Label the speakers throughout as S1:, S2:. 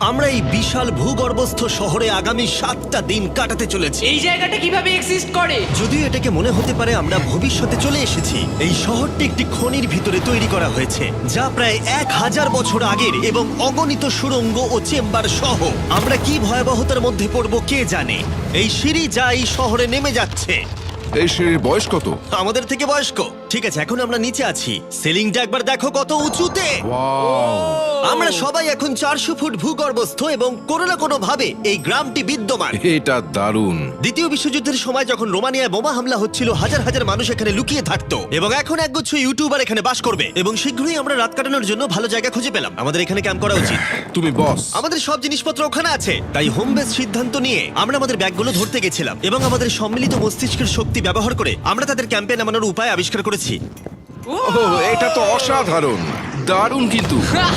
S1: আমরা এই বিশাল ভূগর্ভস্থ শহরে আগামী 7টা দিন কাটাতে চলেছি।
S2: এই জায়গাটা কিভাবে এক্সিস্ট করে?
S1: যদিও এটাকে মনে হতে পারে আমরা ভবিষ্যতে চলে এসেছি, এই শহরটি একটি খনির ভিতরে তৈরি করা হয়েছে যা প্রায় 1000 বছর আগের এবং অগণিত সুড়ঙ্গ ও চেম্বার সহ। আমরা কি ভয়াবহতার মধ্যে পড়ব কে জানে। এই সিঁড়ি যা এই শহরে নেমে যাচ্ছে
S3: এই সিঁড়ির বয়স কত?
S1: আমাদের থেকে বয়স্ক। ঠিক আছে, এখন আমরা নিচে আছি। সিলিংটা একবার দেখো কত উঁচুতে।
S3: ওয়াও!
S1: আমরা সবাই এখন 400 ফুট ভূগর্ভস্থ এবং কোনো না কোনো ভাবে এই গ্রামটি বিদ্যমান।
S3: এটা দারুণ।
S1: দ্বিতীয় বিশ্বযুদ্ধের সময় যখন রোমানিয়ায় বোমা হামলা হচ্ছিল, হাজার হাজার মানুষ এখানে লুকিয়ে থাকতো এবং এখন একগুচ্ছ ইউটিউবার এখানে বাস করবে। এবং শীঘ্রই আমরা রাত কাটানোর জন্য ভালো জায়গা খুঁজে পেলাম। আমাদের এখানে ক্যাম্প করা উচিত।
S3: তুমি বস।
S1: আমাদের সব জিনিসপত্র ওখানে আছে, তাই হোম বেস সিদ্ধান্ত নিয়ে আমরা আমাদের ব্যাগগুলো ধরতে গেছিলাম এবং আমাদের সম্মিলিত মস্তিষ্কের শক্তি ব্যবহার করে আমরা তাদের ক্যাম্পে নামানোর উপায় আবিষ্কার করেছি।
S3: ওহ, এটা তো অসাধারণ, দারুণ। কিন্তু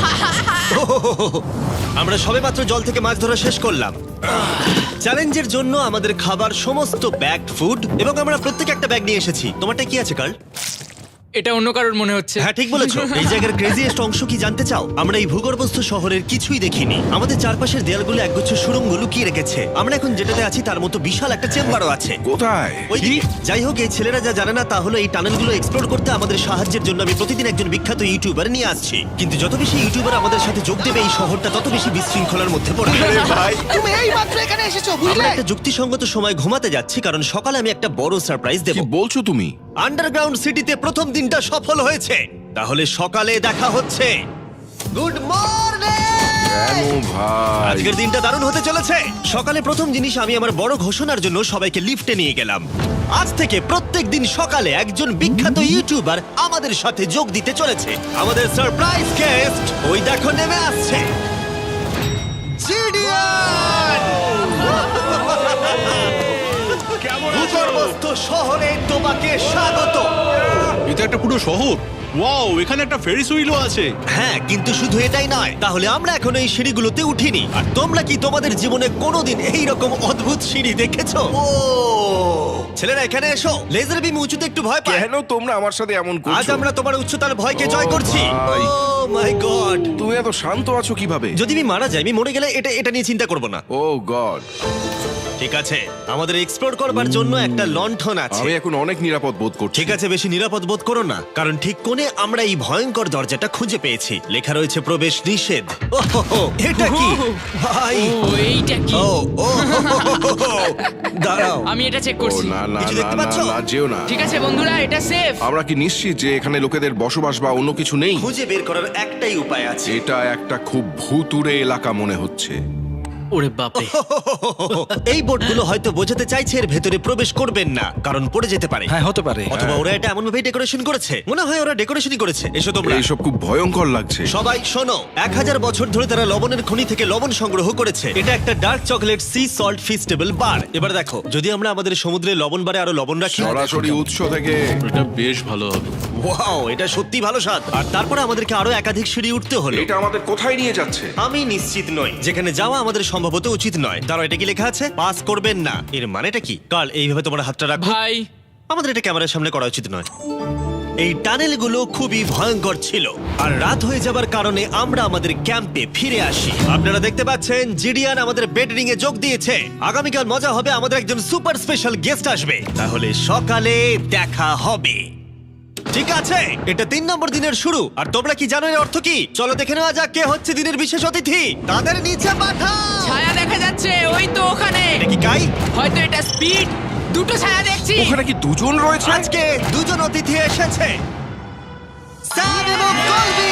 S1: আমরা সবেমাত্র জল থেকে মাছ ধরা শেষ করলাম। চ্যালেঞ্জের জন্য আমাদের খাবার সমস্ত ব্যাগড ফুড এবং আমরা প্রত্যেক একটা ব্যাগ নিয়ে এসেছি। তোমারটা কি আছে কার্ল?
S2: এটা অন্য কারোর মনে হচ্ছে।
S1: হ্যাঁ, ঠিক বলেছো। এই জায়গার ক্রেজিয়েস্ট অংশ কি জানতে চাও? আমরা এই ভূগর্ভস্থ শহরের কিছুই দেখিনি। আমাদের চারপাশের দেয়ালগুলো একগুচ্ছ সুড়ঙ্গ লুকিয়ে রেখেছে। আমরা এখন যেটাতে আছি তার মতো বিশাল একটা চেম্বারও আছে।
S3: কোথায়?
S1: ওই যাই হোক, এই ছেলেরা যা জানে না তা হলো এই টানেলগুলো এক্সপ্লোর করতে আমাদের সাহায্যের জন্য আমি প্রতিদিন একজন বিখ্যাত ইউটিউবার নিয়ে আসছি। কিন্তু যত বেশি ইউটিউবার আমাদের সাথে যোগ দেবে এই শহরটা তত বেশি বিশৃঙ্খলার মধ্যে পড়বে।
S3: ভাই,
S4: তুমি এই মাত্র এখানে এসেছো,
S1: আমরা
S4: বুঝলে?
S1: একটা যুক্তিসঙ্গত সময় ঘুমাতে যাচ্ছি কারণ সকালে আমি একটা বড় সারপ্রাইজ দেব।
S3: কি বলছো তুমি?
S1: আন্ডারগ্রাউন্ড সিটিতে প্রথম দিনটা সফল হয়েছে। তাহলে সকালে দেখা হচ্ছে। Good morning!
S3: কেন ভাই?
S1: আজকের দিনটা দারুণ হতে চলেছে। সকালে প্রথম জিনিস, আমি আমার বড় ঘোষণার জন্য সবাইকে লিফটে নিয়ে গেলাম। আজ থেকে প্রত্যেক দিন সকালে একজন বিখ্যাত ইউটিউবার আমাদের সাথে যোগ দিতে চলেছে। আমাদের সারপ্রাইজ গেস্ট ওই দেখো নেমে আসছে, জিডিয়ান! ভূগর্ভস্থ শহরে তোমাকে স্বাগত।
S5: এটা একটা পুরো শহর। ওয়াও, এখানে একটা ফেরিস হুইলও আছে।
S1: হ্যাঁ, কিন্তু শুধু এটাই নয়। তাহলে আমরা এখনো এই সিঁড়িগুলোতে উঠিনি। আর তোমরা কি তোমাদের জীবনে কোনোদিন এই রকম অদ্ভুত সিঁড়ি দেখেছো? ও ছেলেরা, এখানে এসো। লেজার বিম উঁচুতে একটু ভয় পায়।
S3: কেন তোমরা আমার সাথে এমন
S1: আজ
S3: করছো?
S1: আমরা তোমার উচ্চতার ভয়কে জয়
S3: ও
S1: করছি।
S3: ভাই।
S1: Oh my god!
S3: তুমি এত শান্ত আছো কিভাবে?
S1: যদি আমি মারা যাই, আমি মরে গেলে এটা নিয়ে চিন্তা করব না।
S3: Oh god!
S1: ঠিক আছে, আমাদের এক্সপ্লোর করবার জন্য একটা লণ্ঠন আছে।
S3: আমি এখন অনেক নিরাপদ বোধ করছি।
S1: ঠিক আছে, বেশি নিরাপদ বোধ করো না, কারণ ঠিক কোণে আমরা এই ভয়ঙ্কর দরজাটা খুঁজে পেয়েছি। লেখা রয়েছে প্রবেশ নিষেধ। ওহো, এটা কি ভাই?
S2: ও এইটা কি?
S1: ও ও দাঁড়াও,
S2: আমি এটা চেক
S3: ও
S2: করছি।
S3: না না
S1: কিছু
S3: না
S1: দেখতে
S3: না
S1: পাচ্ছো?
S3: না, যেও না।
S2: ঠিক আছে বন্ধুরা, এটা সেফ।
S3: আমরা কি নিশ্চিত যে এখানে লোকেদের বসবাস বা অন্য কিছু নেই?
S1: খুঁজে বের করার একটাই উপায় আছে।
S3: এটা একটা খুব ভুতুড়ে এলাকা মনে হচ্ছে।
S2: ওরে বাপরে।
S1: এই বোর্ডগুলো হয়তো বোঝাতে চাইছে এর ভেতরে প্রবেশ করবেন না, কারণ পড়ে যেতে পারে।
S4: হ্যাঁ, হতে পারে।
S1: অথবা ওরা এটা এমন ভাবে ডেকোরেশন করেছে, মনে হয় ওরা ডেকোরেশনই করেছে। এসো তোমরা।
S3: এইসব খুব ভয়ঙ্কর লাগছে।
S1: সবাই শোনো, 1000 বছর ধরে তারা লবণের খনি থেকে লবণ সংগ্রহ করেছে। এটা একটা dark chocolate sea salt Feastables bar. এবার দেখো, যদি আমরা আমাদের সমুদ্রে লবণ বারে আরো লবণ রাখি।
S3: সরাসরি উৎস থেকে।
S5: এটা বেশ ভালো হবে।
S1: ওয়াও, এটা সত্যি ভালো স্বাদ। আর তারপরে আমাদেরকে আরো একাধিক সিঁড়ি উঠতে হলো।
S3: এটা আমাদের কোথায় নিয়ে যাচ্ছে?
S1: আমি নিশ্চিত নই। যেখানে যাওয়া আমাদের সম্ভবত উচিত নয়। দাঁড়াও, এটা কি লেখা আছে? পাস করবেন না। এর মানেটা কি? কাল এইভাবে তোমার হাতটা রাখো।
S2: ভাই,
S1: আমাদের এটা ক্যামেরার সামনে করা উচিত নয়। এই টানেলগুলো খুবই ভয়ঙ্কর ছিল, আর রাত হয়ে যাবার কারণে আমরা আমাদের ক্যাম্পে ফিরে আসি। আপনারা দেখতে পাচ্ছেন জিডিয়ান আমাদের বেডরিং এ যোগ দিয়েছে। আগামীকাল মজা হবে, আমাদের একজন সুপার স্পেশাল গেস্ট আসবে। তাহলে সকালে দেখা হবে। ঠিক আছে, এটা 3 নম্বর দিনের শুরু। আর তোমরা কি জানো এর অর্থ কি? চলো দেখে নেওয়া যাক কে হচ্ছে দিনের বিশেষ অতিথি। তাদের নিচে পাঠাও।
S2: ছায়া দেখা যাচ্ছে ওই তো ওখানে।
S1: এটা কি কাই?
S2: হয়তো এটা স্পিড। দুটো ছায়া দেখছি।
S3: ওখানে কি দুজন রয়েছে?
S1: আজকে দুজন অতিথি এসেছে, স্যাম এবং কলবি।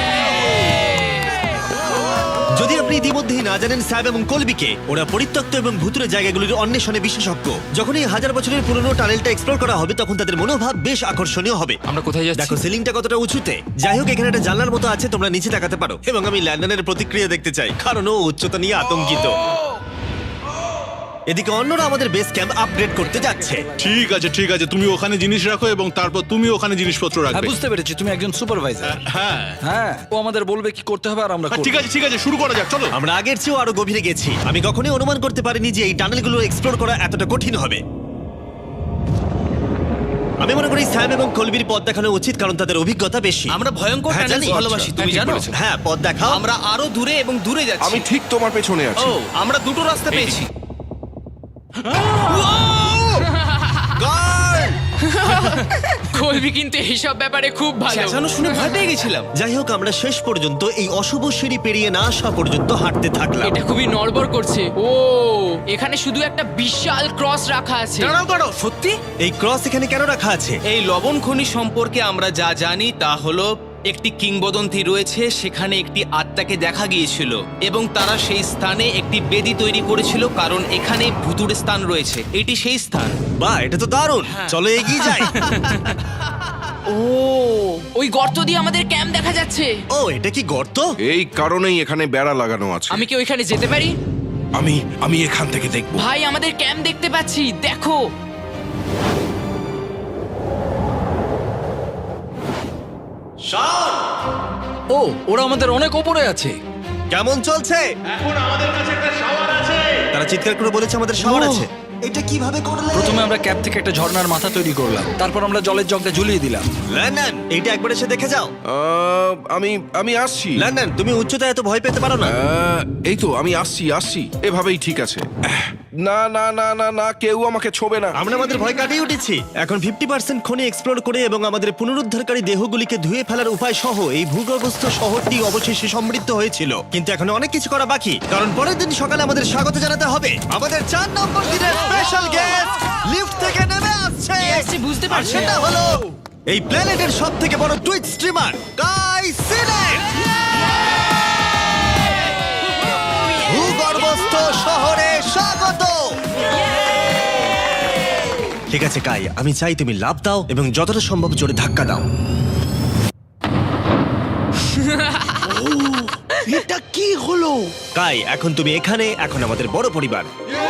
S1: যদি আপনি ইতিমধ্যেই না জানেন স্যাব এবং কলবিকে, ওরা পরিত্যক্ত এবং ভুতুরে জায়গাগুলির অন্বেষণে বিশেষজ্ঞ। যখন এই 1000 বছরের পুরনো টানেলটা এক্সপ্লোর করা হবে, তখন তাদের মনোভাব বেশ আকর্ষণীয় হবে।
S2: আমরা কোথায় যাচ্ছি?
S1: দেখো সিলিংটা কতটা উঁচুতে। যাই হোক, এখানে একটা জানলার মতো আছে, তোমরা নিচে তাকাতে পারো। এবং আমি ল্যান্ডনের প্রতিক্রিয়া দেখতে চাই, কারণ ও উচ্চতা নিয়ে আতঙ্কিত। এদিকে অন্যরা আমাদের বেস ক্যাম্প আপগ্রেড করতে যাচ্ছে।
S5: ঠিক আছে ঠিক আছে, তুমি ওখানে জিনিস রাখো এবং তারপর তুমি ওখানে জিনিসপত্র
S4: হ্যাঁ,
S5: রাখবে।
S4: বুঝতে পেরেছি, তুমি একজন সুপারভাইজার।
S5: হ্যাঁ
S4: হ্যাঁ, ও আমাদের বলবে কি করতে হবে আর আমরা করব।
S5: ঠিক আছে, শুরু করা যাক, চলো।
S1: আমরা আগের চেয়েও আরো গভীরে গেছি। আমি কখনোই অনুমান করতে পারিনি যে এই টানেলগুলো এক্সপ্লোর করা এতটা কঠিন হবে। আমি মনে করি স্যাম এবং কলবির পথ দেখানো উচিত, কারণ তাদের অভিজ্ঞতা বেশি।
S6: আমরা ভয়ঙ্কর
S1: হ্যাঁ,
S6: টানেলস
S1: জানি।
S6: ভালোবাসি, তুমি
S3: ঠিক
S6: জানো?
S3: বলেছো।
S1: হ্যাঁ, পথ দেখাও।
S6: আমরা আরো দূরে এবং দূরে যাচ্ছি।
S3: আমি ঠিক তোমার পেছনে আছি।
S6: ও, আমরা দুটো রাস্তা পেয়েছি।
S1: Guard!
S2: কলবি কিন্তু এইসব ব্যাপারে খুব ভালো।
S6: চেঁচানো শুনে ভয় পেয়ে গেছিলাম।
S1: যাই হোক, আমরা শেষ পর্যন্ত এই অশুভ সিঁড়ি পেরিয়ে না আসা পর্যন্ত হাঁটতে থাকলাম।
S2: এটা খুবই নড়বড় করছে। ও, এখানে শুধু একটা বিশাল ক্রস রাখা আছে।
S6: দাঁড়াও, সত্যি?
S1: এই ক্রস এখানে কেন রাখা আছে?
S6: এই লবণ খনি সম্পর্কে আমরা যা জানি তা হলো একটি কিংবদন্তি রয়েছে, সেখানে একটি আত্মাকে দেখা গিয়েছিল এবং তারা সেই স্থানে একটি বেদি তৈরি করেছিল, কারণ এখানে ভুতুড়ে স্থান রয়েছে। এটি সেই স্থান।
S1: বাহ, এটা তো দারুণ। চলো এগিয়ে যাই।
S2: ও, ওই গর্ত দিয়ে আমাদের ক্যাম্প দেখা যাচ্ছে।
S1: ও, এটা কি গর্ত?
S3: এই কারণেই এখানে বেড়া লাগানো আছে।
S2: আমি কি ওইখানে যেতে পারি?
S3: আমি এখান থেকে দেখব।
S2: ভাই, আমাদের ক্যাম্প দেখতে পাচ্ছি, দেখো।
S4: ও, ওরা আমাদের অনেক ওপরে আছে।
S1: কেমন চলছে? তারা চিৎকার করে বলেছে আমাদের শাওয়ার
S4: ও।
S1: আছে। এটা কিভাবে করলে?
S4: প্রথমে আমরা ক্যাপ থেকে একটা ঝর্ণার মাথা তৈরি করলাম, তারপর আমরা জলের জগটা ঝুলিয়ে দিলাম।
S1: লন্ডন, এইটা একবার এসে দেখে যাও।
S3: আমি আসছি।
S1: লন্ডন, তুমি উচ্চতায় এত ভয় পেতে পারো না।
S3: এই তো আমি আসছি। এভাবেই ঠিক আছে। না না না না না, কেউ আমাকে ছোবে না।
S1: আমরা আমাদের ভয় কাটিয়ে উঠেছি। এখন 50% খনি এক্সপ্লোর করে এবং আমাদের পুনরুদ্ধারকারী দেহগুলিকে ধুয়ে ফেলার উপায় সহ এই ভূগর্ভস্থ শহরটি অবশেষে সমৃদ্ধ হয়েছিল। কিন্তু এখন অনেক কিছু করা বাকি, কারণ পরের দিন সকালে আমাদের স্বাগত জানাতে হবে আমাদের 4 নম্বর দিনের স্পেশাল গেস্ট লিফট থেকে নেমে আসছে।
S2: কে আসছে বুঝতে
S1: আর
S2: পারছি
S1: সেটা
S2: না।
S1: হলো এই প্ল্যানেটের সবথেকে বড় টুইট স্ট্রিমার গাই সিনেট। ভূগর্ভস্থ শহরে স্বাগত। ঠিক আছে কাই, আমি চাই তুমি লাফ দাও এবং যতটা সম্ভব জোরে ধাক্কা দাও।
S4: এটা কি হলো?
S1: কাই, এখন তুমি এখানে, এখন আমাদের বড় পরিবার।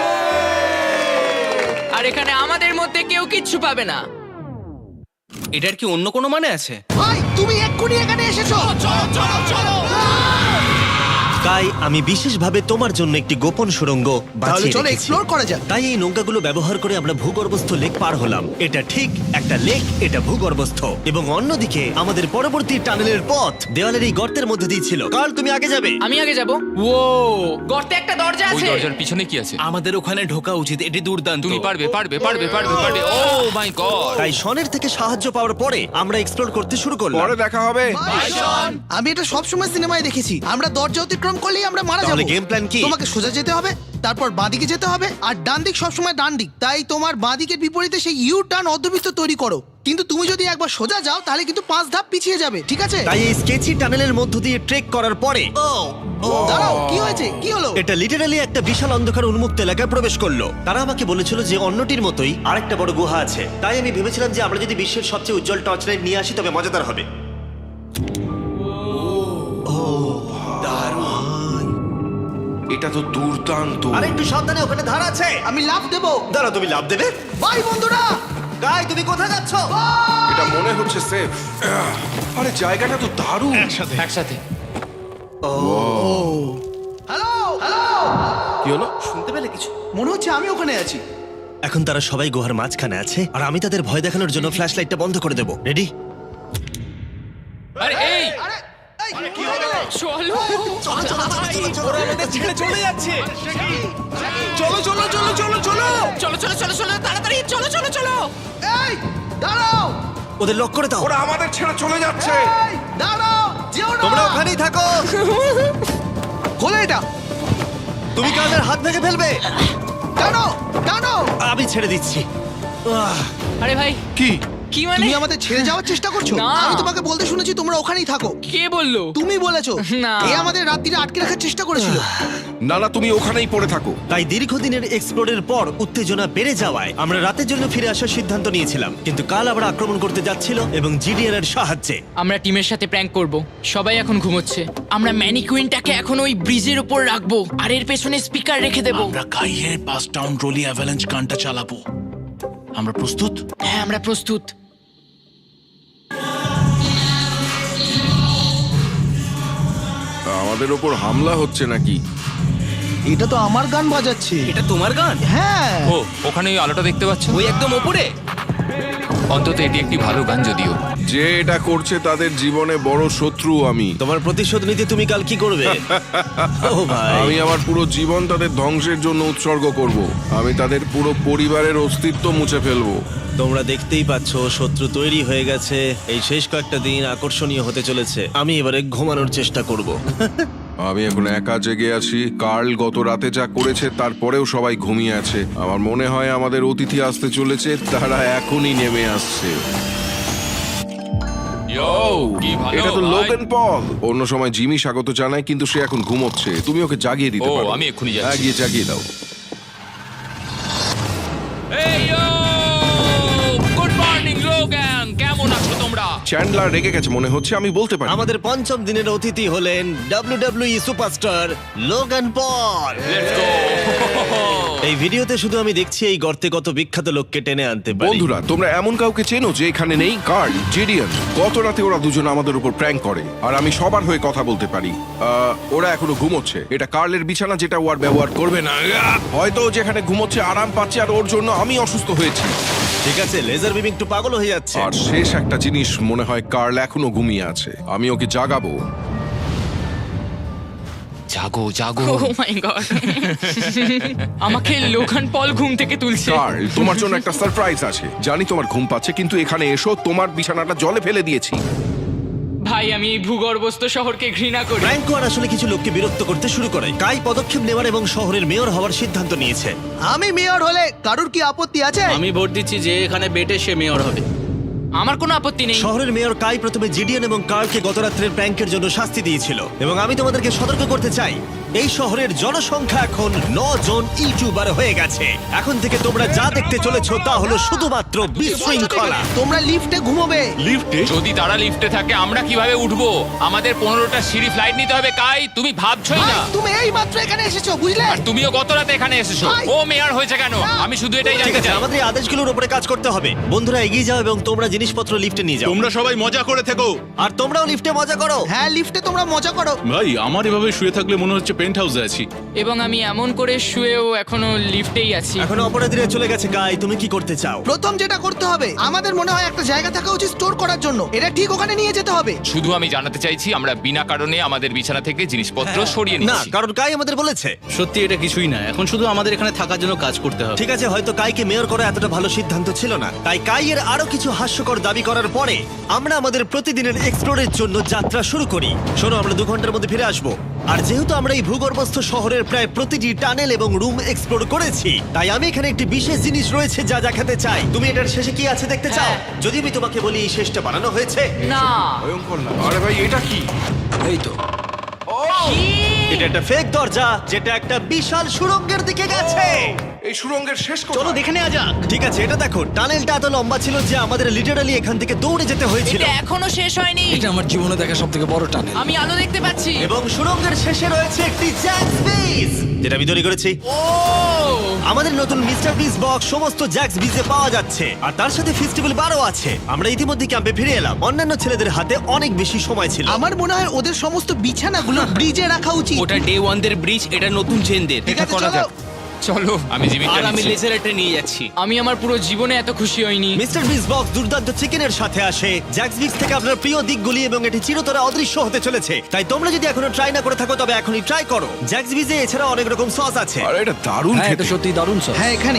S2: আর এখানে আমাদের মধ্যে কেউ কিচ্ছু পাবে না।
S6: এটার কি অন্য কোনো মানে আছে?
S4: ভাই, তুমি এক্ষুনি এখানে এসেছো।
S2: চলো।
S1: কাই, আমি বিশেষভাবে তোমার জন্য একটি গোপন সুড়ঙ্গ বাছিয়ে রেখেছি।
S4: এক্সপ্লোর করা যাক।
S1: তাই এই নৌকাগুলো ব্যবহার করে আমরা ভূগর্ভস্থ লেক পার হলাম। এটা ঠিক একটা লেক, এটা ভূগর্ভস্থ। এবং অন্যদিকে আমাদের পরবর্তী টানেলের পথ দেওয়ালের এই গর্তের মধ্যে দিয়ে ছিল। কাল, তুমি আগে যাবে।
S2: আমি আগে যাব। ও, গর্তে একটা দরজা
S7: ওই
S2: আছে।
S7: দরজার পিছনে কি আছে?
S6: আমাদের ওখানে ঢোকা উচিত, এটি দুর্দান্ত।
S7: তুমি পারবে। Oh my god!
S1: তাই শনের থেকে সাহায্য পাওয়ার পরে আমরা এক্সপ্লোর করতে শুরু করলাম।
S3: পরে দেখা হবে।
S8: আমি এটা সবসময় সিনেমায় দেখেছি, আমরা দরজা অতিক্রম করলেই আমরা মারা
S1: তাহলে
S8: যাবো।
S1: গেম প্ল্যান কি?
S8: তোমাকে সোজা যেতে হবে, তারপর বাঁদিকে যেতে হবে, আর ডান দিক সবসময় ডান দিক। তাই তোমার বাঁদিকের বিপরীতে সেই ইউ টার্ন অর্ধবৃত্ত তৈরি করো। কিন্তু তুমি যদি একবার সোজা যাও তাহলে কিন্তু 5 ধাপ পিছিয়ে যাবে, ঠিক আছে?
S1: তাই এই স্কেচি টানেলের মধ্য দিয়ে ট্রেক করার পরে
S8: দাঁড়াও, কি হয়েছে? কি হলো?
S1: এটা লিটারালি একটা বিশাল অন্ধকার উন্মুক্ত এলাকায় প্রবেশ করলো। তারা আমাকে বলেছিল যে অন্যটির মতোই আরেকটা বড় গুহা আছে। তাই আমি ভেবেছিলাম যে আমরা যদি বিশ্বের সবচেয়ে উজ্জ্বল টর্চ লাইট নিয়ে আসি তবে মজাদার হবে।
S3: এটা তো দুর্দান্ত।
S1: আরে একটু সাবধানে, ওখানে ধার আছে।
S8: আমি লাফ দেবো।
S1: দাঁড়াও, তুমি লাভ দেবে?
S8: বাই বন্ধুরা।
S1: গাই, তুমি কোথায় যাচ্ছ?
S3: এটা মনে হচ্ছে সেফ। আরে জায়গাটা তো দারুণ।
S7: একসাথে।
S8: হ্যালো হ্যালো,
S3: কি হলো?
S6: শুনতে পেলে কিছু?
S8: মনে হচ্ছে আমি ওখানে আছি।
S1: এখন তারা সবাই গুহার মাঝখানে আছে আর আমি তাদের ভয় দেখানোর জন্য ফ্ল্যাশ লাইটটা বন্ধ করে দেবো। রেডি?
S7: আরে এই
S8: আরে এই, কি হয়ে গেল?
S2: চলো।
S6: ওরা আমাদের ছেড়ে চলে যাচ্ছে।
S2: চলো, তাড়াতাড়ি চলো।
S8: এই দাঁড়াও,
S1: ওদের লক করে দাও।
S3: ওরা আমাদের ছেড়ে চলে যাচ্ছে।
S8: এই দাঁড়াও, যেও না।
S1: তোমরা ওখানেই থাকো।
S8: খোলো এটা।
S1: তুমি কাদের হাত ভেঙে ফেলবে।
S8: টানো টানো।
S1: আমি ছেড়ে দিচ্ছি।
S2: আরে ভাই,
S3: কি?
S2: কি মানে?
S8: তুমি আমাদের ছেড়ে যাওয়ার চেষ্টা করছো?
S2: না।
S8: আমি তোমাকে বলতে শুনেছি তোমরা ওখানেই থাকো।
S2: কে বললো?
S8: তুমি বলেছো।
S2: না।
S8: এ আমাদের রাত্রিরে আটকে রাখার চেষ্টা করেছিল।
S3: না না, তুমি ওখানেই পড়ে থাকো।
S1: তাই দীর্ঘদিনের এক্সপ্লোরের পর উত্তেজনা বেড়ে যাওয়ায় আমরা রাতের জন্য ফিরে আসার সিদ্ধান্ত নিয়েছিলাম। কিন্তু কাল আবার আক্রমণ করতে যাচ্ছিল এবং জিডিএন এর সাহায্যে।
S2: আমরা টিমের সাথে প্র্যাঙ্ক করব। সবাই এখন ঘুমোচ্ছে। আমরা ম্যানিকুইনটাকে এখন ওই ব্রিজের উপর রাখবো আর এর পেছনে স্পিকার রেখে দেব।
S5: আমরা কাইয়ের পাস টাউন রোলি অ্যাভালাঞ্চ গানটা চালাবো। আমরা প্রস্তুত?
S2: হ্যাঁ, আমরা প্রস্তুত।
S3: আমাদের ওপর হামলা হচ্ছে নাকি?
S8: এটা তো আমার গান বাজাচ্ছে।
S6: এটা তোমার গান?
S8: হ্যাঁ।
S7: ও, ওখানে ওই আলোটা দেখতে পাচ্ছ?
S6: ওই একদম ওপরে।
S7: অন্তত এটি একটি ভালো গান যদিও।
S3: যে এটা করছে তাদের জীবনে বড় শত্রু আমি।
S1: তোমার প্রতিশোধ নিতে তুমি কাল কি করবে? ও ভাই,
S3: আমি আমার পুরো জীবন তাদের ধ্বংসের জন্য উৎসর্গ করব। আমি তাদের পুরো পরিবারের অস্তিত্ব মুছে ফেলবো।
S1: তোমরা দেখতেই পাচ্ছ শত্রু তৈরি হয়ে গেছে। এই শেষ কয়েকটা দিন আকর্ষণীয় হতে চলেছে। আমি এবারে ঘুমানোর চেষ্টা করব।
S3: আমি এখন একা জেগে আছি। কার্ল গত রাতে যা করেছে তারপরেও সবাই ঘুমিয়ে আছে। আমার মনে হয় আমাদের অতিথি আসতে চলেছে, তারা এখনই নেমে আসছে।
S7: কি ভালো
S3: এটা তো
S7: ভাই।
S3: Logan Paul. অন্য সময় জিমি স্বাগত জানায়, কিন্তু সে এখন ঘুমোচ্ছে। তুমি ওকে জাগিয়ে দিতে
S7: ও,
S3: পারো।
S7: আমি এক্ষুনি যাচ্ছি।
S3: হ্যাঁ, গিয়ে জাগিয়ে দাও।
S7: এই গুড মর্নিং লোগান, কেমন আছো তোমরা?
S3: চ্যান্ডলার রেগে গেছে মনে হচ্ছে, আমি বলতে পারি।
S1: আমাদের পঞ্চম দিনের অতিথি হলেন WWE superstar Logan Paul.
S7: Let's go.
S1: এই ভিডিওতে শুধু আমি দেখছি এই গর্তে কত বিখ্যাত লোককে টেনে আনতে পারি।
S3: বন্ধুরা, তোমরা এমন কাউকে চেনো যে এখানে নেই? Karl, Jidion. গত রাতে ওরা দুজন আমাদের উপর প্র্যাঙ্ক করে, আর আমি সবার হয়ে কথা বলতে পারি। ওরা এখনো ঘুমোচ্ছে। এটা কার্লের বিছানা, যেটা ও আর ব্যবহার করবে না। হয়তো ও যেখানে ঘুমোচ্ছে আরাম পাচ্ছে, আর ওর জন্য আমি অসুস্থ হয়েছি।
S1: ঠিক আছে, লেজার বিম একটু পাগল হয়ে যাচ্ছে।
S3: আর শেষ একটা জিনিস, মনে হয় কার্ল এখনো ঘুমিয়ে আছে। আমি ওকে জাগাবো।
S7: জাগো জাগো।
S2: ও মাই গড, আমাকে লোগান পল ঘুম থেকে তুলছে।
S3: কার্ল, তোমার জন্য একটা সারপ্রাইজ আছে। জানি তোমার ঘুম পাচ্ছে, কিন্তু এখানে এসো, তোমার বিছানাটা জলে ফেলে দিয়েছি।
S2: ভাই, আমি এই ভূগর্ভস্থ শহরকে ঘৃণা করি।
S1: ফ্র্যাঙ্কো আর আসলে কিছু লোককে বিরক্ত করতে শুরু করে। কাই পদক্ষেপ নেওয়ার এবং শহরের মেয়র হওয়ার সিদ্ধান্ত নিয়েছে।
S8: আমি মেয়র হলে কারুর কি আপত্তি আছে?
S9: আমি ভোট দিচ্ছি যে এখানে বেটে সে মেয়র হবে।
S2: আমার কোনো আপত্তি নেই।
S1: শহরের মেয়র কাই প্রথমে জিডিএন এবং কার্লকে গত রাত্রের প্র্যাঙ্কের জন্য শাস্তি দিয়েছিল, এবং আমি তোমাদেরকে সতর্ক করতে চাই, এই শহরের জনসংখ্যা এখন 9 জন ইউটিউবার হয়ে গেছে। এখন থেকে তোমরা যা দেখতে চলেছো তা হলো শুধুমাত্র বিশৃঙ্খলা।
S8: তোমরা লিফটে ঘুমোবে।
S7: যদি তারা লিফটে থাকে আমরা কিভাবে উঠবো? আমাদের 15টা সিঁড়ি ফ্লাইট নিতে হবে। কাই, তুমি ভাবছই
S8: ভাই,
S7: না।
S8: তুমি এই মাত্র এখানে এসেছো, বুঝলে?
S7: আর তুমিও গত রাতে এখানে এসেছো।
S8: ভাই।
S7: ও মেয়র হয়েছে কেন?
S8: না।
S7: আমি শুধু এটাই
S1: ঠিক
S7: জানতে
S1: আছে,
S7: চাই।
S1: আমাদের এই আদেশগুলোর উপরে কাজ করতে হবে। বন্ধুরা, এগিয়ে যাও এবং তোমরা জিনিসপত্র লিফটে নিয়ে যাও।
S5: তোমরা সবাই মজা করে থেকো।
S1: আর তোমরাও লিফটে মজা করো।
S8: হ্যাঁ, লিফটে তোমরা মজা করো।
S5: ভাই, আমার এভাবে শুয়ে থাকলে মনে হচ্ছে পেন্ট হাউসে আছি।
S2: এবং আমি এমন করে শুয়েও এখনো লিফটেই আছি।
S1: এখন অপরাধীরা চলে গেছে। কাই, তুমি কি করতে চাও?
S8: প্রথম যেটা করতে হবে, আমাদের মনে হয় একটা জায়গা থাকা উচিত স্টোর করার জন্য। এটা ঠিক ওখানে নিয়ে যেতে হবে।
S7: শুধু আমি জানাতে চাইছি আমরা বিনা কারণে আমাদের বিছানা থেকে জিনিসপত্র
S8: হ্যাঁ।
S7: সরিয়ে
S1: না,
S7: নিচ্ছি।
S1: কারণ কাই আমাদের বলেছে।
S9: সত্যি এটা কিছুই না, এখন শুধু আমাদের এখানে থাকার জন্য কাজ করতে হবে।
S1: ঠিক আছে, হয়তো কাইকে মেয়র করা এতটা ভালো সিদ্ধান্ত ছিল না। তাই কাইয়ের আরো কিছু হাস্যকর দাবি করার পরে আমরা আমাদের প্রতিদিনের এক্সপ্লোরের জন্য যাত্রা শুরু করি। শোনো, আমরা 2 ঘন্টার মধ্যে ফিরে আসবো। আর যেহেতু আমরা এই ভূগর্ভস্থ শহরের প্রায় প্রতিটি টানেল এবং রুম এক্সপ্লোর করেছি, তাই আমি এখানে একটি বিশেষ জিনিস রয়েছে যা দেখাতে চাই। তুমি এটার শেষে কি আছে দেখতে চাও? যদি আমি তোমাকে বলি এই শেষটা বানানো হয়েছে।
S2: না,
S3: ভয়ঙ্কর না? আরে ভাই, এটা কি?
S4: এই তো।
S1: এটা একটা ফেক দরজা যেটা একটা বিশাল সুড়ঙ্গের দিকে গেছে।
S3: এই সুড়ঙ্গের শেষ
S9: চলো
S3: কোথায়?
S9: দেখে নেওয়া যাক।
S1: ঠিক আছে, এটা দেখো, টানেলটা এত লম্বা ছিল যে আমাদের লিটারালি এখান থেকে দৌড়ে যেতে হয়েছিল।
S2: এটা এখনো শেষ হয়নি।
S4: এটা আমার জীবনে দেখা সবথেকে বড় টানেল।
S2: আমি আলো দেখতে পাচ্ছি।
S1: এবং সুড়ঙ্গের শেষে রয়েছে একটি জ্যাক্স বিস, যেটা আমি তৈরি করেছি।
S2: ও,
S1: আমাদের নতুন মিস্টার বিস বক্স সমস্ত জ্যাক্স বিজে পাওয়া যাচ্ছে, আর তার সাথে ফেস্টিভ্যাল বারও আছে। আমরা ইতিমধ্যে ক্যাম্পে ফিরে এলাম। অন্যান্য ছেলেদের হাতে অনেক বেশি সময় ছিল।
S8: আমার মনে হয় ওদের সমস্ত বিছানাগুলো ব্রিজে রাখা উচিত।
S6: ওটা ডে ওয়ান দের ব্রিজ, এটা নতুন চেনদের।
S8: ঠিক
S6: এটা
S8: আছে,
S6: করা
S8: চলো।
S6: যাক।
S2: চলো।
S7: আমি জিমিটা
S6: আর আমি
S7: নিচ্ছি।
S6: লেজার এটা নিয়ে যাচ্ছি।
S2: আমি আমার পুরো জীবনে এত খুশি হইনি।
S1: মিস্টার বিস বক্স দুর্দান্ত চিকেনের সাথে আসে, জ্যাক্স বিক্স থেকে আপনার প্রিয় দিকগুলি, এবং এটি চিরতরে অদৃশ্য হতে চলেছে। তাই তোমরা যদি এখনো ট্রাই না করে থাকো তবে এখনই ট্রাই করো। জ্যাক্স বিজে এছাড়া অনেক রকম সস আছে।
S3: আরে এটা দারুণ
S4: হ্যাঁ, এটা
S3: খেতে।
S4: সত্যি দারুণ সব।
S8: হ্যাঁ, এখানে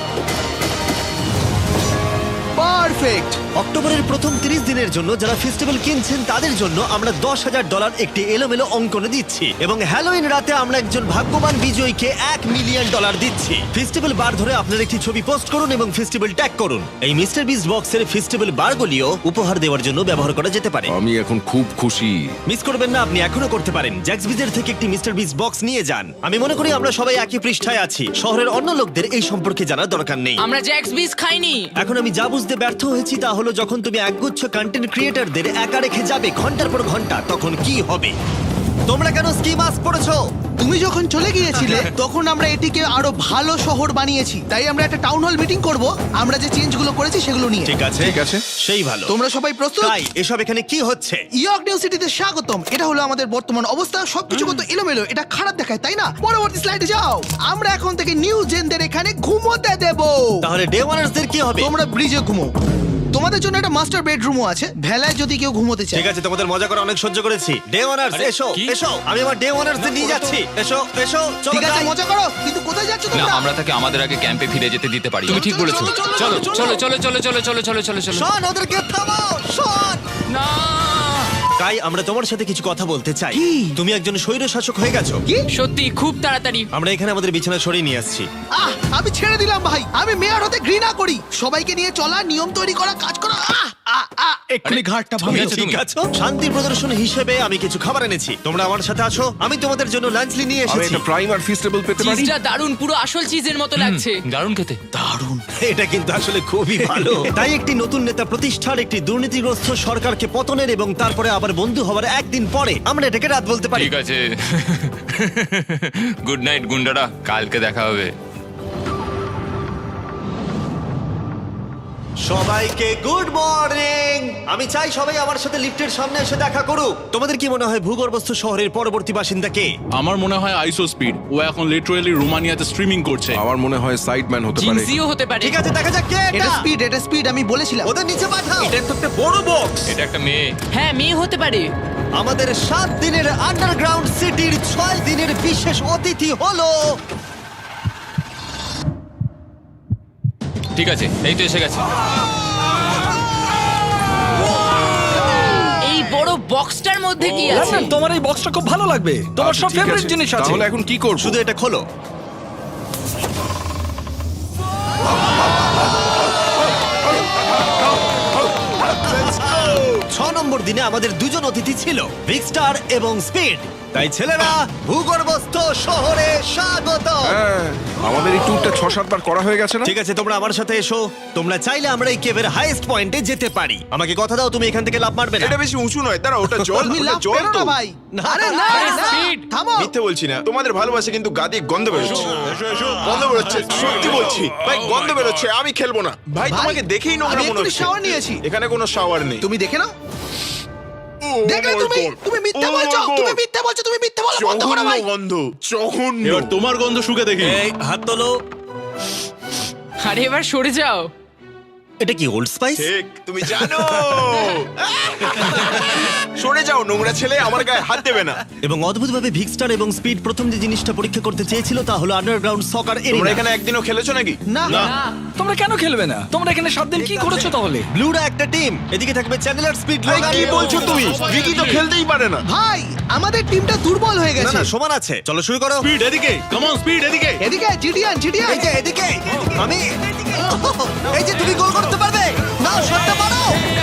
S8: পারফেক্ট।
S1: অক্টোবরের প্রথম 30 দিনের জন্য যারা ফেস্টিভ্যাল কিনছেন তাদের জন্য আমরা $10,000 একটি এলোমেলো অঙ্কনে দিচ্ছি, এবং হ্যালোইন রাতে আমরা একজন ভাগ্যবান বিজয়ীকে $1 মিলিয়ন দিচ্ছি। ফেস্টিভ্যাল বার ধরে আপনার একটি ছবি পোস্ট করুন এবং ফেস্টিভ্যাল ট্যাগ করুন। এই মিস্টার বিস বক্সের ফেস্টিভ্যাল বারগুলিও উপহার দেওয়ার জন্য ব্যবহার করা যেতে পারে।
S3: আমি এখন খুব খুশি।
S1: মিস করবেন না, আপনি এখনো করতে পারেন। জ্যাক্স বিজের থেকে একটি মিস্টার বিস বক্স নিয়ে যান। আমি মনে করি আমরা সবাই একই পৃষ্ঠায় আছি। শহরের অন্য লোকদের এই সম্পর্কে জানার দরকার নেই।
S2: আমরা জ্যাক্স বিস খাইনি।
S1: এখন আমি যা বুঝতে ব্যর্থ হয়েছি তা হলো, যখন তুমি একগুচ্ছ কন্টেন্ট ক্রিয়েটরদের একা রেখে যাবে ঘন্টার পর ঘন্টা, তখন কি হবে? তোমরা কেন স্কি মাস্ক পরেছো?
S8: তুমি যখন চলে গিয়েছিলে তখন আমরা এটিকে আরো ভালো শহর বানিয়েছি। তাই আমরা একটা টাউন হল মিটিং করব, আমরা যে চেঞ্জগুলো করেছি সেগুলো নিয়ে।
S1: ঠিক আছে,
S3: ঠিক আছে।
S1: সেই ভালো।
S8: তোমরা সবাই প্রস্তুত?
S1: তাই এসব এখানে কি হচ্ছে?
S8: ইয়র্ক নিউ সিটিতে স্বাগতম। এটা হলো আমাদের বর্তমান অবস্থা। সবকিছু কত এলোমেলো, এটা খারাপ দেখায়, তাই না? পরবর্তী স্লাইডে যাও। আমরা এখন থেকে নিউ জেনদের এখানে ঘুমোতে দেব।
S1: তাহলে ডে ওয়ানার্সদের কি হবে?
S8: তোমরা ব্রিজে ঘুমো। তোমাদের জন্য একটা মাস্টার বেডরুমও আছে ভেলায় যদি কেউ ঘুমোতে চায়।
S1: ঠিক আছে, তোমাদের মজা করে অনেক সহ্য করেছি। ডে ওয়ানার্স এসো এসো, আমি আমার ডে ওয়ানার্স নিয়ে যাচ্ছি। এসো এসো, চলো
S8: ঠিক আছে
S1: যাই।
S8: মজা করো, কিন্তু কোথায় যাচ্ছ
S7: না
S8: তোমরা?
S7: আমরা তাকে আমাদের আগে ক্যাম্পে ফিরে যেতে দিতে পারি। তুমি ঠিক বলেছো।
S8: চলো,
S7: চলো চলো চলো চলো চলো চলো চলো চলো।
S1: শন, ওদেরকে থামাও, শন।
S7: না
S1: কাই, আমরা তোমার সাথে কিছু কথা বলতে চাই। তুমি একজন স্বৈর শাসক হয়ে গেছো।
S2: সত্যি খুব তাড়াতাড়ি।
S1: আমরা এখানে আমাদের বিছানা সরিয়ে নিয়ে আসছি।
S8: আমি ছেড়ে দিলাম ভাই, আমি মেয়র হতে ঘৃণা করি। সবাইকে নিয়ে চলা, নিয়ম তৈরি করা, কাজ করা।
S4: এক্ষুনি ঘাটটা
S7: তুমি
S4: ভাঙলো।
S7: আছো
S1: ঠিক
S7: তুমি?
S1: আছে, শান্তি প্রদর্শন হিসেবে আমি কিছু খাবার এনেছি। তোমরা আমার সাথে আসো, আমি তোমাদের জন্য লাঞ্চলি নিয়ে
S3: আমি
S1: এসেছি।
S3: একটা প্রাইম আর ফিস্টেবল পেতে পারি?
S2: চিজটা দারুন, পুরো আসল চিজের মতো লাগছে।
S7: দারুণ খেতে।
S1: এটা কিন্তু আসলে খুবই ভালো। তাই একটি নতুন নেতা প্রতিষ্ঠার, একটি দুর্নীতিগ্রস্ত সরকারকে পতনের এবং তারপরে আবার বন্ধু হওয়ার একদিন পরে আমরা এটাকে রাত বলতে পারি।
S7: ঠিক আছে। গুড নাইট গুন্ডারা, কালকে দেখা হবে।
S1: সবাইকে গুড মর্নিং। আমি চাই সবাই আমার সাথে লিফটের সামনে এসে দেখা করুক। তোমাদের কি মনে হয় ভূগর্ভস্থ শহরের পরবর্তী বাসিন্দা কে?
S5: আমার মনে হয় আইসো স্পিড, ও এখন লিটারালি রোমানিয়াতে স্ট্রিমিং করছে।
S3: আমার মনে হয় সাইডম্যান হতে পারে।
S2: জিনসিও হতে পারে।
S1: ঠিক আছে, দেখা যাক কে
S8: এটা
S1: এটা।
S8: স্পিড, এটা স্পিড, আমি বলেছিলাম।
S1: ওদের নিচে পাঠাও। এটা তো একটা বড় বক্স।
S7: এটা একটা মেয়ে।
S2: হ্যাঁ, মেয়ে হতে পারে।
S1: আমাদের 7 দিনের আন্ডারগ্রাউন্ড সিটির 6 দিনের বিশেষ অতিথি হলো
S7: ঠিক আছে, এই তো এসে গেছে।
S2: এই বড় বক্সটার মধ্যে কি আছে?
S4: লন্ডন, তোমার এই বক্সটা খুব ভালো লাগবে। তোমার
S3: আচ্ছা,
S4: সব
S3: ঠিক
S4: ফেভারিট
S3: আছে।
S4: জিনিস আছে।
S3: তাহলে এখন কি করব?
S1: শুধু এটা খোলো। ছ নম্বর দিনে আমাদের দুজন অতিথি ছিল, বিগ স্টার এবং স্পিড। তাই ছেলেরা, ভূগর্ভস্থ শহরে স্বাগত।
S3: হ্যাঁ, আমাদের এই ট্যুরটা 6-7 বার করা হয়ে গেছে না?
S1: ঠিক আছে, তোমরা আমার সাথে এসো। তোমরা চাইলে আমরা এই কেভের হাইয়েস্ট পয়েন্টে যেতে পারি। আমাকে কথা দাও, তুমি এখান থেকে লাফ মারবে না।
S10: এটা বেশি উঁচু নয়, দাঁড়া, ওটা জল,
S8: তুমি
S10: ওটা
S8: লাভ
S10: জল
S8: পেরো
S10: তো।
S8: না ভাই।
S1: না,
S8: আরে না,
S2: আরে
S8: না,
S2: speed।
S8: থামো।
S10: মিথ্যে বলছি না, তোমাদের ভালোবাসা কিন্তু গাদি গন্ধ বেরোচ্ছে। গন্ধ বেরোচ্ছে, সত্যি বলছি ভাই, গন্ধ বেরোচ্ছে। আমি খেলবো না ভাই,
S8: ভাই,
S10: তোমাকে দেখেই নোংরা
S8: আমি
S10: মনে
S8: এক্ষুনি
S10: হচ্ছে।
S8: shower নিয়েছি।
S10: এখানে কোনো শাওয়ার নেই।
S8: তুমি দেখে নাও।
S10: ও
S8: দেখলে
S10: my
S8: তুমি,
S10: God!
S8: তুমি মিথ্যে
S10: Oh my
S8: বলছো,
S10: God!
S8: তুমি মিথ্যে বলছো, তুমি মিথ্যে বলা বন্ধ করো
S10: জঘন্য
S8: ভাই।
S10: গন্ধ, জঘন্য।
S5: এবার তোমার গন্ধ শুকে দেখি।
S1: এই হাত তোলো।
S2: আরে এবার সরে যাও।
S1: এটা কি ওল্ড স্পাইস?
S10: ঠিক, তুমি জানো। সরে যাও নোংরা ছেলে, আমার গায়ে হাত দেবে না।
S1: এবং অদ্ভুতভাবে ভিক্সটার এবং স্পিড প্রথম যে জিনিসটা পরীক্ষা করতে চেয়েছিল তা হলো আন্ডারগ্রাউন্ড সকার
S10: তোমরা
S1: এরিয়া।
S10: এখানে একদিনও খেলেছো নাকি?
S8: না,
S4: তোমরা কেন খেলবে না? তোমরা এখানে 7 দিন কি করেছো তাহলে?
S1: ব্লুরা একটা টিম, এদিকে থাকবে চ্যানেলার, স্পিড,
S10: ভাই,
S1: লোগান।
S10: কি বলছো তুমি? ভিকি তো খেলতেই পারে না।
S8: ভাই, আমাদের টিমটা দুর্বল হয়ে
S1: না
S8: গেছে।
S1: না, সমান আছে। চলো শুরু করো।
S5: স্পিড এদিকে, কাম অন স্পিড এদিকে।
S8: এদিকে জিডিয়ান, জিডিয়ান।
S1: এই যে এদিকে, আমি এই যে তুমি গোল করতে পারবে। নাও শটটা মারো।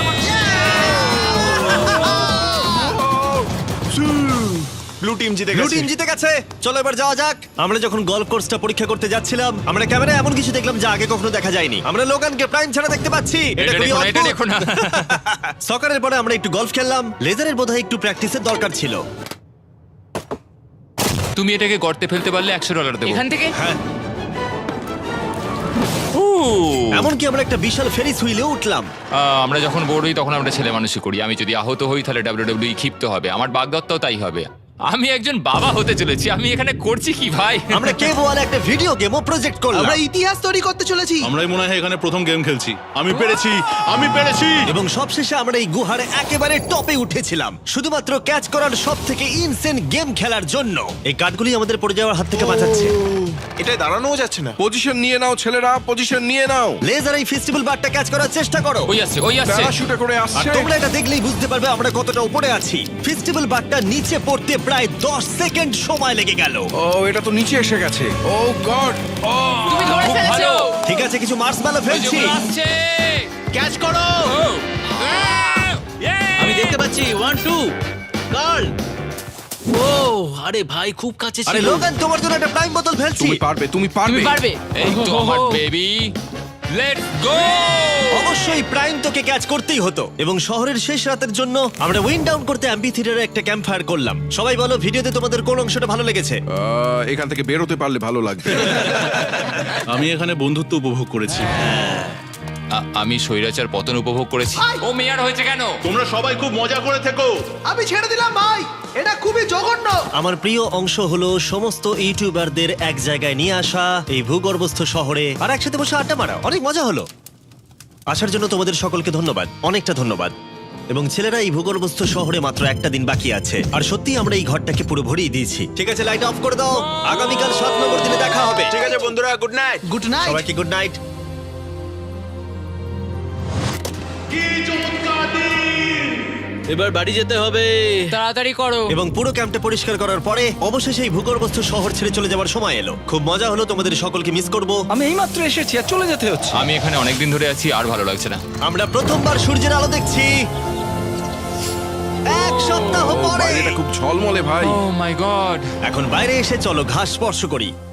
S10: ব্লু টিম জিতে
S1: ব্লু
S10: গেছে।
S1: টিম জিতে গেছে। চলো এবার যাওয়া যাক। আমরা যখন গলফ কোর্সটা পরীক্ষা করতে যাচ্ছিলাম, আমরা ক্যামেরায় এমন কিছু দেখলাম যা আগে কখনো দেখা যায়নি। আমরা লোগানকে প্রাইম ছাড়া দেখতে পাচ্ছি।
S7: এটা
S1: খুবই
S7: দেখো না, এটা
S1: অদ্ভুত।
S7: দেখো না।
S1: সকারের পরে আমরা একটু গলফ খেললাম। লেজারের বোধহয় একটু প্র্যাকটিসের দরকার ছিল।
S7: তুমি এটাকে গর্তে ফেলতে পারলে $100 দেবো।
S2: এখান থেকে
S1: হ্যাঁ,
S7: ও,
S1: এমনকি আমরা একটা বিশাল ফেরিস হুইলে উঠলাম।
S7: আমরা যখন বোর হই তখন আমরা ছেলে মানুষই করি। আমি যদি আহত হই তাহলে WWE ক্ষিপ্ত হবে। আমার বাগদত্তাও তাই হবে। আমি একজন বাবা হতে চলেছি। আমি এখানে করছি কি ভাই?
S1: আমরা কেভ ওয়ালে একটা ভিডিও গেমও প্রজেক্ট করলাম।
S8: আমরা ইতিহাস তৈরি করতে চলেছি।
S5: আমরাই মনে হয় এখানে প্রথম গেম খেলছি। আমি পেরেছি, আমি পেরেছি।
S1: এবং সবশেষে আমরা এই গুহার একেবারে টপে উঠেছিলাম শুধুমাত্র ক্যাচ করার সব থেকে ইনসেন গেম খেলার জন্য। এই কাঠগুলি আমাদের পড়ে যাওয়ার হাত থেকে বাঁচাচ্ছে।
S10: এটা দাঁড়ানোও যাচ্ছে না।
S3: পজিশন নিয়ে নাও ছেলেরা, পজিশন নিয়ে নাও।
S1: লেজার এই ফেস্টিভ্যাল বারটা ক্যাচ করার চেষ্টা করো।
S7: ওই আসছে, ওই আসছে।
S3: প্যারাশুটে করে
S1: আর
S3: আসছে।
S1: তোমরা এটা দেখলেই বুঝতে পারবে আমরা কতটা উপরে আছি। ফেস্টিভ্যাল বারটা নিচে পড়তে প্রায় 10 সেকেন্ড সময় লেগে গেল।
S3: ও, এটা তো নিচে এসে গেছে। ও গড। ও,
S2: তুমি ধরে
S7: খুব
S2: ফেলেছো।
S7: ভালো।
S1: ঠিক আছে, কিছু মার্শম্যালো
S7: ওই যে
S1: ফেলছি।
S7: ওগুলো আসছে।
S9: ক্যাচ করো।
S7: ও,
S9: আমি দেখতে পাচ্ছি 1 2 গার্ল। ও আরে ভাই, খুব কাছে
S1: আরে
S9: ছিল।
S1: লোগান, তোমার জন্য একটা প্রাইম বোতল ফেলছি।
S3: তুমি পারবে, তুমি পারবে।
S2: তুমি পারবে।
S7: এই তো আমার বেবি। Let's go.
S1: অবশ্যই প্রাইম তোকে ক্যাচ করতেই হতো। এবং শহরের শেষ রাতের জন্য আমরা উইন্ড ডাউন করতে অ্যাম্পি থিয়েটারে একটা ক্যাম্প ফায়ার করলাম। সবাই বলো ভিডিওতে তোমাদের কোন অংশটা ভালো লেগেছে?
S3: এখান থেকে বেরোতে পারলে ভালো লাগবে।
S5: আমি এখানে বন্ধুত্ব উপভোগ করেছি।
S7: আমি স্বৈরাচার পতন উপভোগ করেছি। ও মেয়ার হয়েছে কেন?
S5: তোমরা সবাই খুব মজা করে থেকো।
S8: আমি ছেড়ে দিলাম ভাই, এটা খুবই জঘন্য।
S1: আমার প্রিয় অংশ হলো সমস্ত ইউটিউবারদের এক জায়গায় নিয়ে আসা এই ভূগর্ভস্থ শহরে আর একসাথে বসে আড্ডা মারা। অনেক মজা হলো। আসার জন্য তোমাদের সকলকে ধন্যবাদ, অনেকটা ধন্যবাদ। এবং ছেলেরা, এই ভূগর্ভস্থ শহরে মাত্র একটা দিন বাকি আছে, আর সত্যি আমরা এই ঘরটাকে পুরো ভরিয়ে দিয়েছি। ঠিক আছে, লাইট অফ করে দাও। আগামীকাল 7 নম্বর দিনে দেখা হবে।
S10: ঠিক আছে বন্ধুরা, গুড নাইট।
S8: Good night.
S1: সবাইকে গুড নাইট।
S9: এবার বাড়ি যেতে হবে।
S2: তাড়াতাড়ি করো।
S1: এবং পুরো ক্যাম্পটা পরিষ্কার করার পরে অবশেষে এই ভূগর্ভস্থ শহর ছেড়ে চলে যাওয়ার সময় এলো। খুব মজা হলো, তোমাদের সকলকে মিস করব।
S4: আমি এইমাত্র এসেছি আর চলে যেতে হচ্ছে।
S7: আমি এখানে অনেকদিন ধরে আছি, আর ভালো লাগছে না।
S1: আমরা প্রথমবার সূর্যের আলো দেখছি 1 সপ্তাহ পরে।
S3: বাইরেটা খুব ঝলমলে ভাই।
S7: Oh my god.
S1: এখন বাইরে এসে চলো ঘাস স্পর্শ করি।